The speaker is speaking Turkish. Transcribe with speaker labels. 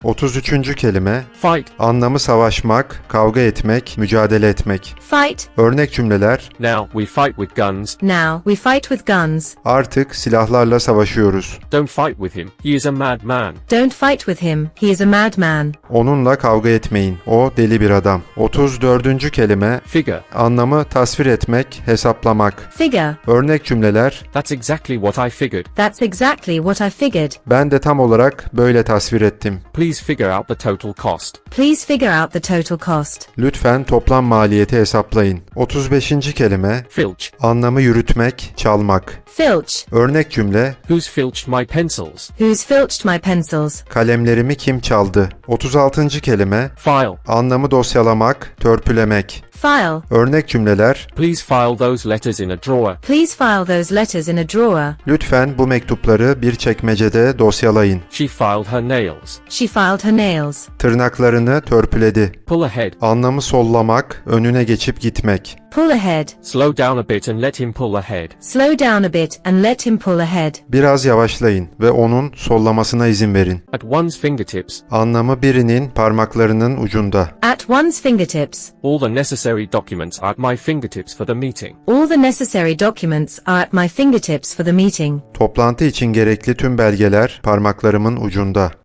Speaker 1: 33. kelime
Speaker 2: Fight.
Speaker 1: anlamı savaşmak, kavga etmek, mücadele etmek.
Speaker 3: Fight.
Speaker 1: Örnek cümleler
Speaker 2: Now we fight with guns.
Speaker 3: Now we fight with guns.
Speaker 1: artık silahlarla savaşıyoruz.
Speaker 2: Don't fight with him. He is a madman.
Speaker 3: Don't fight with him. He is a madman.
Speaker 1: Onunla kavga etmeyin. O deli bir adam. 34. kelime
Speaker 2: Figure.
Speaker 1: anlamı tasvir etmek, hesaplamak.
Speaker 3: Figure.
Speaker 1: Örnek cümleler
Speaker 2: That's exactly what I figured.
Speaker 3: That's exactly what I figured.
Speaker 1: ben de tam olarak böyle tasvir ettim.
Speaker 2: Please figure out the total cost.
Speaker 3: Please figure out the total cost.
Speaker 1: Lütfen toplam maliyeti hesaplayın. 35. kelime
Speaker 2: Filch.
Speaker 1: anlamı yürütmek, çalmak.
Speaker 3: Filch.
Speaker 1: Örnek cümle
Speaker 2: Who's filched my pencils?
Speaker 3: Who's filched my pencils?
Speaker 1: kalemlerimi kim çaldı? 36. kelime
Speaker 2: File.
Speaker 1: anlamı dosyalamak, törpülemek.
Speaker 3: File.
Speaker 1: Örnek cümleler
Speaker 2: Please file those letters in a drawer.
Speaker 3: Please file those letters in a drawer.
Speaker 1: lütfen bu mektupları bir çekmecede dosyalayın.
Speaker 2: She filed her nails.
Speaker 3: She filed her nails.
Speaker 1: Tırnaklarını törpüledi.
Speaker 2: Pull ahead.
Speaker 1: Anlamı sollamak, önüne geçip gitmek.
Speaker 3: Pull ahead.
Speaker 2: Slow down a bit and let him pull ahead.
Speaker 3: Slow down a bit and let him pull ahead.
Speaker 1: Biraz yavaşlayın ve onun sollamasına izin verin.
Speaker 2: At one's fingertips.
Speaker 1: Anlamı birinin parmaklarının ucunda.
Speaker 3: At one's fingertips.
Speaker 2: All the necessary documents are at my fingertips for the meeting.
Speaker 3: All the necessary documents are at my fingertips for the meeting.
Speaker 1: Toplantı için gerekli tüm belgeler parmaklarımın ucunda.